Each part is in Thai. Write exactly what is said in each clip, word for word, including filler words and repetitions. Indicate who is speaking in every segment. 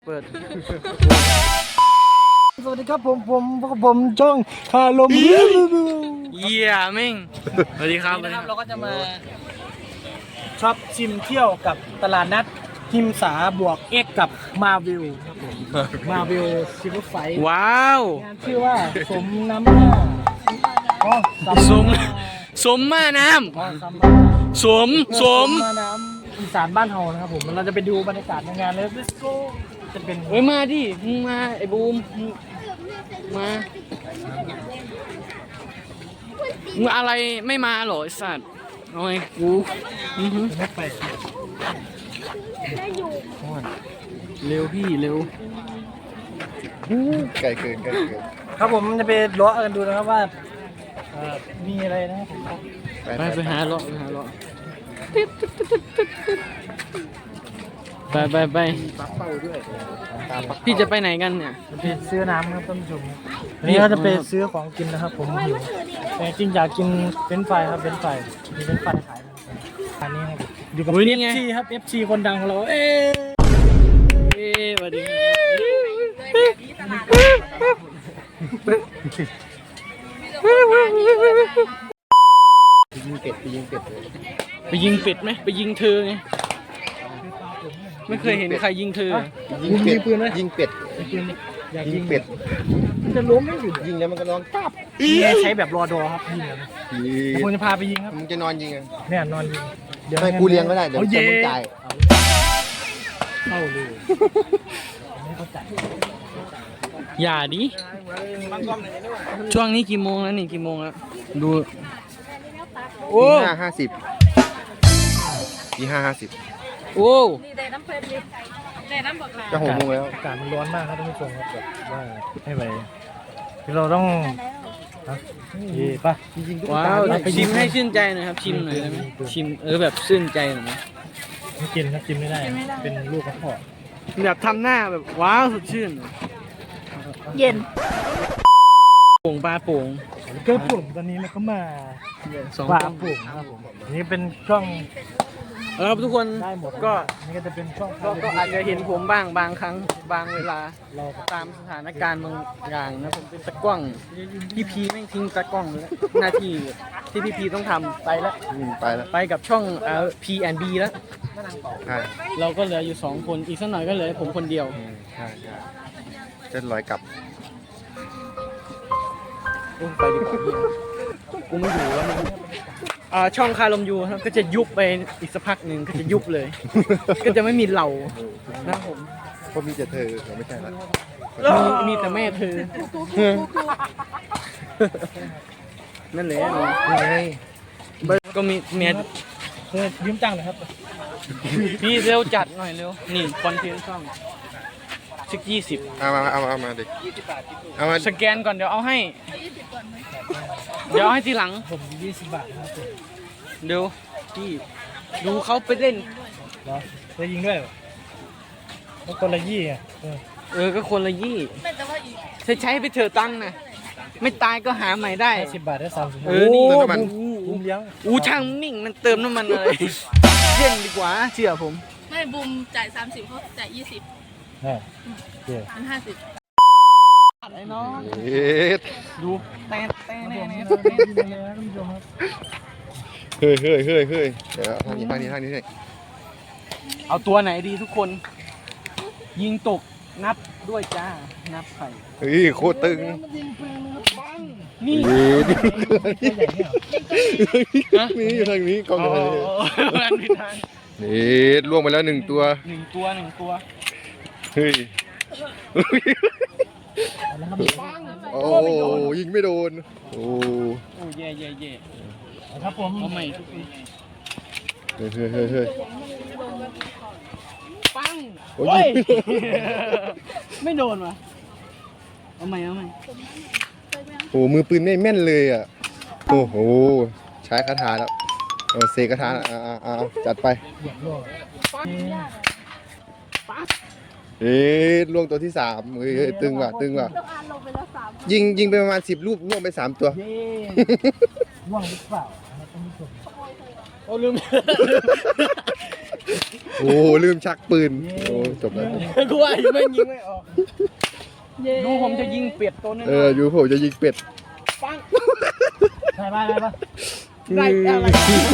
Speaker 1: เปิด
Speaker 2: สวัสดีครับผมผมผมจ้องคาลมเ
Speaker 1: ยี่ยมมิ่งสวัสดีครับ
Speaker 2: นะครับเราก็จะมาช็อปชิมเที่ยวกับตลาดนัดหิมสาบวกเอ็กกับมาวิลครับผมมาวิลซิลเวอร์ไฟ
Speaker 1: ว้าว
Speaker 2: งานชื่อว่าสมน้ำหน้าอ๋อ
Speaker 1: สมสมมาน้ำสมสม
Speaker 2: มาน้ำอีสานบ้านเฮานะครับผมเราจะไปดูบรรยากาศในงานเลย let's go จะเป็น
Speaker 1: เฮ้ยมาดิมึงมาไอ้บูมมามึงอะไรไม่มาหรอไอ้สัตว์โอ้ยกู
Speaker 2: ไม่ไป
Speaker 1: เร็วพี่เร็ว
Speaker 3: ไกลเกินไกลเกิน
Speaker 2: ครับผมจะไปล้อกันดูนะครับว่ามีอะไรนะครับผม
Speaker 1: ไปไปหาเลาะไปหาเลาะไปไปไปพี่จะไปไหนกันเนี่ย
Speaker 2: ไปซื้อน้ำครับท่านผู้ชมนี่ก็จะไปซื้อของกินนะครับผมหิวแต่จริงอยากกินเฟรนช์ฟรายครับเฟรนช์ฟรายมีเฟรนช์ฟรายขายอันนี้ครับอยู่กับ เอฟ ซี ครับ เอฟ ซี คนดังของเราเอ๊ะ
Speaker 1: เอ๊ะสวัสดี
Speaker 3: ยิงเป็ดไปยิงเป็ดเลย
Speaker 1: ไปยิงเป็ดไหมไปยิงเธอไงไม่เคยเห็นใครยิงเธอ
Speaker 3: ยิงเป็ดยิงเป็ด
Speaker 2: อยาก
Speaker 3: ยิ
Speaker 2: ยิ
Speaker 3: งเป็ด
Speaker 2: มันจะล้มไม่หยุด
Speaker 3: ยิงแล้วมันก็นอนตับ
Speaker 2: ใช้แบบรอดอครับยิงเลยผมจะพาไปยิงครับ
Speaker 3: มึงจะนอนยิงอ่ะ
Speaker 2: เนี่ยนอนยิง
Speaker 3: เดี๋ยวให้กูเลี้ยงก็ได้เดี๋ยวจะมึงจ่าย
Speaker 2: เข้าเลย
Speaker 1: อย่าดิช่วงนี้กี่โมงแล้วนี่กี่โมงแล้วดู
Speaker 3: โอ้ห้าห้าสิบยี่ห้าห้าสิบ
Speaker 1: โอ้
Speaker 3: จะหกโมงแล้ว
Speaker 2: อากาศมันร้อนมากครับท่านผู้ชมครับแบบว่าไม่ไหวเราต้องนี่ป่ะ
Speaker 1: ว้าวชิมให้ชื่นใจหน่อยครับชิมหน่อยได้ไหมชิมเออแบบชื่นใจหน่อยไหม
Speaker 2: ไม่กินครับกินไม่ได้เป็นลูกกระเพาะ
Speaker 1: แบบทำหน้าแบบว้าวสดชื่น
Speaker 2: เย็น
Speaker 1: โป่งปลาโป่ง
Speaker 2: ก็ผมตอนนี้มันก็มาปลาโป่งครับผมนี่เป็นช่อง
Speaker 1: เออทุกคนก็
Speaker 2: นี่ก็จะเป็นช่อง
Speaker 1: ก็อาจจะเห็นผมบ้างบางครั้งบางเวลาเราตามสถานการณ์บางอย่างนะผมเป็นตะกล้องพี่พีไม่ทิ้งตะกล้องแล้วหน้าที่ที่พี่พีต้องทำไปแล้ว
Speaker 3: ไปแล้ว
Speaker 1: ไปกับช่องเอ่อ พี แอนด์ บี แล้ว
Speaker 3: ใช่
Speaker 1: เราก็เหลืออยู่สองคนอีกสักหน่อยก็เหลือผมคนเดียว
Speaker 3: ใช่ใช่เส้นลอยกลับ
Speaker 1: ไปดีกว่ากูไม่อยู่แล้วนะอ่าช่องคาลมยูครับก็จะยุบไปอีกสักพักหนึ่งก็จะยุบเลยก็จะไม่มีเหล่านะผม
Speaker 3: เพราะมีแต่เธอไม่ใช่ละ
Speaker 1: มีแต่แม่เธอนั่นแหละ
Speaker 3: ไง
Speaker 1: ก็มีเมีย
Speaker 2: เธอยืมตังค์หน่อยครับ
Speaker 1: พี่เร็วจัดหน่อยเร็วนี่คอนเทนต์ช่องสักยี่สิบ
Speaker 3: เอามาเอามาเอามาดิ
Speaker 1: เอามาสแกนก่อนเดี๋ยวเอาให้เดี๋ยวให้ทีหลัง
Speaker 2: ผมยี่สิบบาทครับ
Speaker 1: เดี๋ยวพี่ดูเขาไปเล่น
Speaker 2: เหรอจะยิงด้วยก็คนละยี่อ่ะ
Speaker 1: เออก็คนละยี่ใช้ใช้ไปเถอะตังค์นะไม่ตายก็หาใหม่ได้
Speaker 2: สิบบาทได้สามสิบ
Speaker 1: เออนี่
Speaker 3: เติมน้ำมัน
Speaker 2: บูมเลี้ยง
Speaker 1: อู้ช่างนิ่งมันเติมน้ำมันอะไรเล่นดีกว่าเชื่อผม
Speaker 4: ไม่บูมจ่ายสามสิบเขาจ่ายยี่สิบ
Speaker 2: ใช่เดี๋ยว
Speaker 4: มันห้าสิบ
Speaker 1: ไอ้น้องดูเต้นเต้นเต้น
Speaker 3: เฮ้ยเฮ้ยเฮ้ยเฮ้ยเดี๋ยวทางนี้ทางนี้ทางนี้เลย
Speaker 1: เอาตัวไหนดีทุกคนยิงตกนับด้วยจ้านับไข่
Speaker 3: เฮ้ยโคตรตึง
Speaker 1: นี่
Speaker 3: นี่อยู่ทางนี้กองอะไรนี่ล่วงไปแล้วหนึ่งตัว
Speaker 1: หนึ่งตัวหนึ่งตัว
Speaker 3: เฮ้ยโอ้ยิงไม่โดนโอ้
Speaker 1: โอ้เย่เย่เย่
Speaker 2: ครับผม
Speaker 1: เอาใหม่ทุกที
Speaker 3: เฮ้ยเฮ้ยเฮ้ยเฮ้ย
Speaker 1: ปังโอ้ยไม่โดนวะเอาใหม่เอาใหม่
Speaker 3: โอ้มือปืนไม่แม่นเลยอ่ะโอ้โหใช้คาถาแล้วเออเซคาถาอ่าอ่าจัดไปเอ๊ะล่วงตัวที่สามเฮ้ยตึงว่ะตึงว่ะยิงยิงไปประมาณสิบลูกล่วงไปสามตัว
Speaker 2: ล่วงหรือเปล่า
Speaker 1: โอ้ลืม
Speaker 3: โอ้ลืมชักปืนโอ้จบแล้ว
Speaker 1: กูว่าอยู่ไม่ยิงไม่ออกดูผมจะยิงเป็ดตัวนึง
Speaker 3: เอออยู่ผมจะยิงเป็ด
Speaker 1: ปัง
Speaker 2: ใช่ป่ะใช่ป่ะ
Speaker 1: ไรอะไร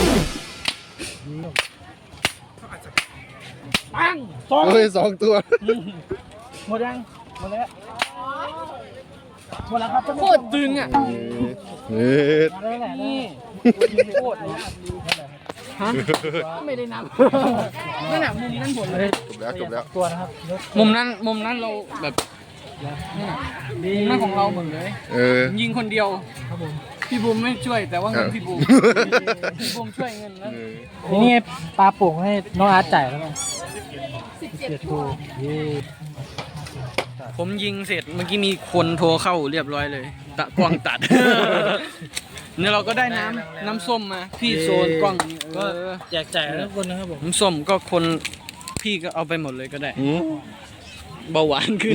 Speaker 1: ปังสอง
Speaker 3: เฮ้ยสองตัว
Speaker 1: หมดยังหมดแล้ว
Speaker 2: หมดแล้วครับ
Speaker 1: โคตรตึงอ่ะ
Speaker 3: เฮ้ย
Speaker 2: มาได้แหละ
Speaker 1: นี่โคตรเลยฮะไม่ได้นับนั่นแหละมุมนั้นหมดเลย
Speaker 3: จบแล้วจบแล้ว
Speaker 2: ตัวนะครับ
Speaker 1: มุมนั้นมุมนั้นเราแบบนั่นน่ะมุมนั้นของเราหมดเลย
Speaker 3: เออ
Speaker 1: ยิงคนเดียว
Speaker 2: ครับผม
Speaker 1: พี่บูมไม่ช่วยแต่ว่าเงิน
Speaker 3: เออ
Speaker 1: พี่บูมพี่บูมช่วยเงินนะ
Speaker 3: เออ
Speaker 2: นี่ไงปลาโป่งให้น้องอาร์ตจ่ายแล้วมั้ง
Speaker 4: สิบ
Speaker 2: เจ็
Speaker 4: เจ็
Speaker 2: ด
Speaker 4: ด
Speaker 2: ตัวเย้
Speaker 1: ผมยิงเสร็จเมื่อกี้มีคนโทรเข้าเรียบร้อยเลยตะกล้องตัด เนี่ยเราก็ได้น้ำน้ำส้มมาพี่โซนกล้องเอ
Speaker 2: ก็
Speaker 1: อ
Speaker 2: แจกจ่ายทุกคนนะครับผม
Speaker 1: น้ำส้มก็คนพี่ก็เอาไปหมดเลยก็ได้
Speaker 3: หืม
Speaker 1: เบาหวานขึ้น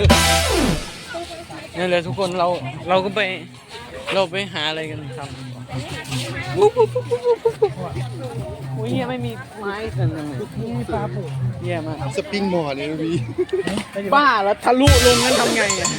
Speaker 1: นี่นแหละทุกคนเราเราก็ไปเราไปหาอะไรกันทำโอ้ยเหี้ยไม่มีไม้กันเลย
Speaker 2: นี่ปลาโป่ง
Speaker 1: แย่มาก
Speaker 3: สปริงบอร์ดเนี่ยพี่
Speaker 1: บ้าแล้วทะลุลงนั้นทำไงอะ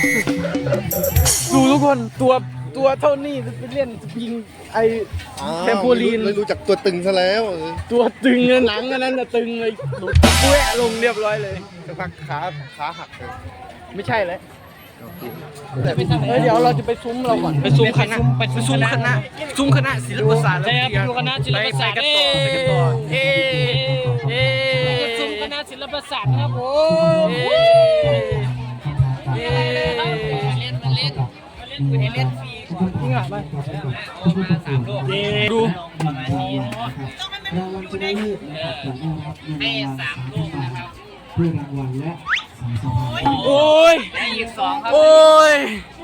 Speaker 1: ดูทุกคนตัวตัวเท่านี้จะไปเล่นยิงไอ เทมโพลีน
Speaker 3: เลยรู้จักตัวตึงซะแล้วเออ
Speaker 1: ตัวตึงเลยหนังอันนั้นจะตึงเลยหลุดแหวะลงเรียบร้อยเลย
Speaker 3: สักพักขาขาหักเลย
Speaker 1: ไม่ใช่เลยเฮ้ยเดี๋ยวเราจะไปซุ้มเราก่อนไปซุ้มคณะไปซุ้มคณะซุ้มคณะศิลปศาสตร์
Speaker 2: ใช่ครับอยู่คณะศิลปศาสตร์
Speaker 1: ไปกันต่อไปกันต่อเอ๊เอ๊
Speaker 2: ซุ้มคณะศิลปศาสตร์นะครับผม
Speaker 1: เอ๊เอ๊
Speaker 2: เล่นมาเล่นมาเล่นคุณเล่นฟรีก่อนจริงเหรอมาสามโลก
Speaker 1: ดู
Speaker 2: ให้สามโลกนะครับ
Speaker 1: โอ้ย
Speaker 2: ได้อีกสองครับ
Speaker 1: โอ้ย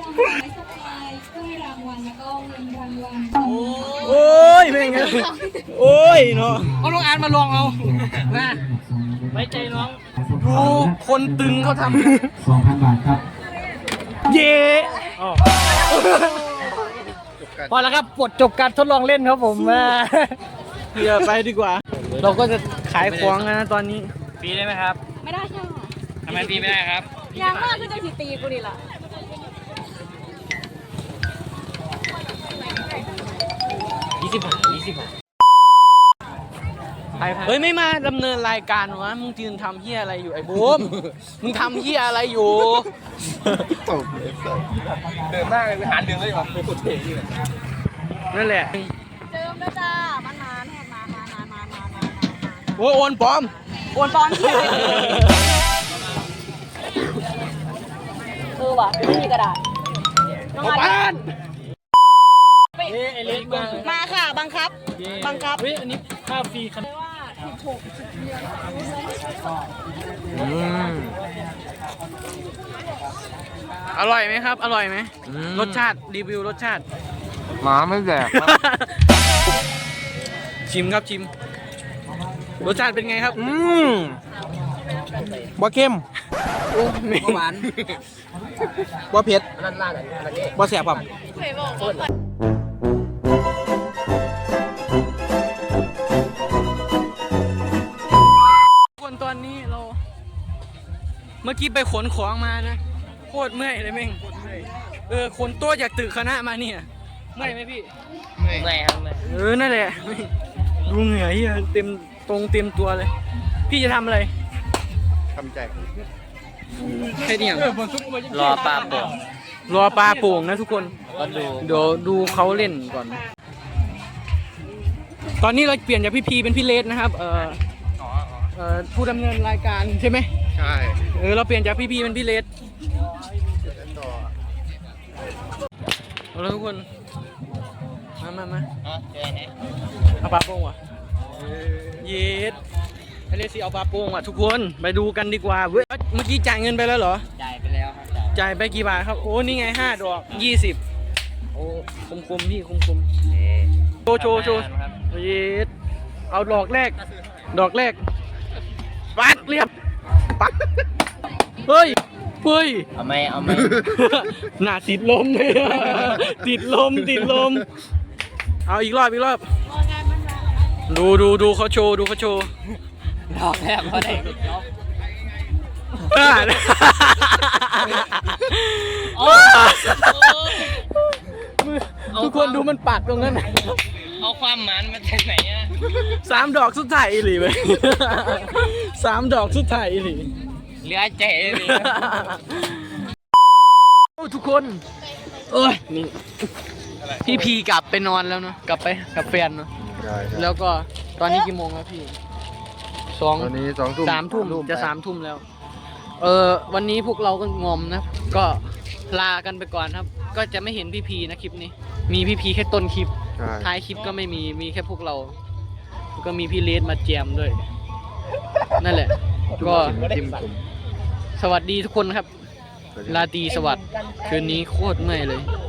Speaker 1: โอ้ยเป็นไงโอ้ยเนาะเอาลองอ่านมาลองเอานะ
Speaker 2: ไว้ใจน้อง
Speaker 1: ดูคนตึงเขาท
Speaker 5: สองพันบาทครับ
Speaker 1: ำเย่
Speaker 2: พอแล้วครับปลดจบการทดลองเล่นครับผมมา
Speaker 1: เดี๋ยวไปดีกว่า เราก็จะขายของนะตอนนี้
Speaker 2: ฟรีได้ไหมครับ
Speaker 4: ไม่ได้ค่ะ
Speaker 2: ทำไมฟรีไม่ได้ครับ
Speaker 4: ยางมากคือจะสีตีกูดิล่ะ
Speaker 2: ยี่สิบบาทยี่สิบบาท
Speaker 1: เฮ้ยไม่มาดำเนินรายการวะมึงยืนทำเฮียอะไรอยู่ไอ้บูมมึงทำเฮียอะไรอยู่
Speaker 3: ตบเลยสัส
Speaker 2: เดินมากเลยไปหาเรื่องเลยว่ะไปกดเทอยู่
Speaker 1: นั่นแหละ
Speaker 4: เจิมแล้วจ้ามันนานนานนานนานนานนานนาน
Speaker 1: โอ้ยโอนปลอม
Speaker 4: โอนปอนที่เออว่ะไม่มีกระดาษน้องอาร์ต
Speaker 2: เอ้ไอเล็กมา
Speaker 4: มาค่ะบังคับ บังคับ
Speaker 2: เฮ้ยอันนี้ค่าฟรีครับ
Speaker 4: ว่าถูก
Speaker 1: อร่อยไหมครับ อร่อยไหมรสชาติรีวิวรสชาติ
Speaker 3: หมาไม่แดก
Speaker 1: ชิมครับชิม รสชาติเป็นไงครับ
Speaker 2: อืมบ่เข้ม
Speaker 1: บ่หวาน
Speaker 2: บ่เผ็ดบ่แสบครับ
Speaker 4: เคยบอกว่า
Speaker 1: คนตอนนี้เรา เมื่อกี้ไปขนของมานะโคตรเมื่อยเลยแม่งเออขนโต๊ะจากตึกคณะมาเนี่ยเมื่อยไหมพี่
Speaker 2: แรงเลย
Speaker 1: เออนั่นแหละดูเหงื่อเหี้ยเต็มตรงเต็มตัวเลย พี่จะทำอะไร
Speaker 3: ทำแจก
Speaker 1: แค่นี้อย่าง
Speaker 2: รอปลาโป่ง
Speaker 1: รอปลาโป่งนะทุกคน
Speaker 2: ก็ดู
Speaker 1: เดี๋ยวดูเขาเล่นก่อน ตอนนี้เราเปลี่ยนจากพี่พีเป็นพี่เลสนะครับ เอ่อเอ่อผู้ดำเนินรายการใช่ไหม
Speaker 3: ใช่
Speaker 1: เออเราเปลี่ยนจากพี่พีเป็นพี่เลสเอาละทุกคน มามามาเอาปลาโป่งว่ะเย็ดไอเลสสิเอาปลาโป่งว่ะทุกคนไปดูกันดีกว่าเว้ยเมื่อกี้จ่ายเงินไปแล้วเหรอ
Speaker 2: จ่ายไปแล้วครับ
Speaker 1: จ่ายไปกี่บาทครับ โอ้ นี่ไงห้าดอกยี่สิบโอ้คมคมๆพี่คมคมๆโชว์โชว์โชว์เย็ดเอาดอกแรก ดอกแรก ปักเรียบ ปัก เฮ้ย เฮ้ย
Speaker 2: เอาไหมเอาไหม
Speaker 1: หน้าติดลมเลย ติดลม ติดลม เอาอีกรอบ อีกรอบ
Speaker 4: งานมันมา
Speaker 1: ดูดูดูเขาโชว์ดูเขาโชว์
Speaker 2: ดอกแรกพอได้
Speaker 1: ทุกคนดูมันปักตรงนั้น
Speaker 2: เอาความหมันมาจากไหนอ่ะ
Speaker 1: สามดอกสุดท้ายอีหลีเว้ยสามดอกสุดท้ายอีหลี
Speaker 2: เหลือใจเลย
Speaker 1: โอ้ทุกคนเอ้ยนี่พี่พีกลับไปนอนแล้วเนาะกลับไปกับแฟนเนาะ
Speaker 3: ใช่ครับ
Speaker 1: แล้วก็ตอนนี้กี่โมงแล้วพี่สอง
Speaker 3: ตอนนี้สองทุ่ม
Speaker 1: สามทุ่มจะสามทุ่มแล้ว เออวันนี้พวกเราก็งอมนะ ก็ลากันไปก่อนครับ ก็จะไม่เห็นพี่พีนะคลิปนี้ มีพี่พีแค่ต้นคลิป
Speaker 3: ใช่
Speaker 1: ท้ายคลิปก็ไม่มีมีแค่พวกเราแล้วก็มีพี่เลสมาแจมด้วย นั่นแหละ ก็
Speaker 3: จิ้มจุ่ม
Speaker 1: สวัสดีทุกคนครับ ราตรีสวัสดิ์คืนนี้โคตรเมื่อยเลย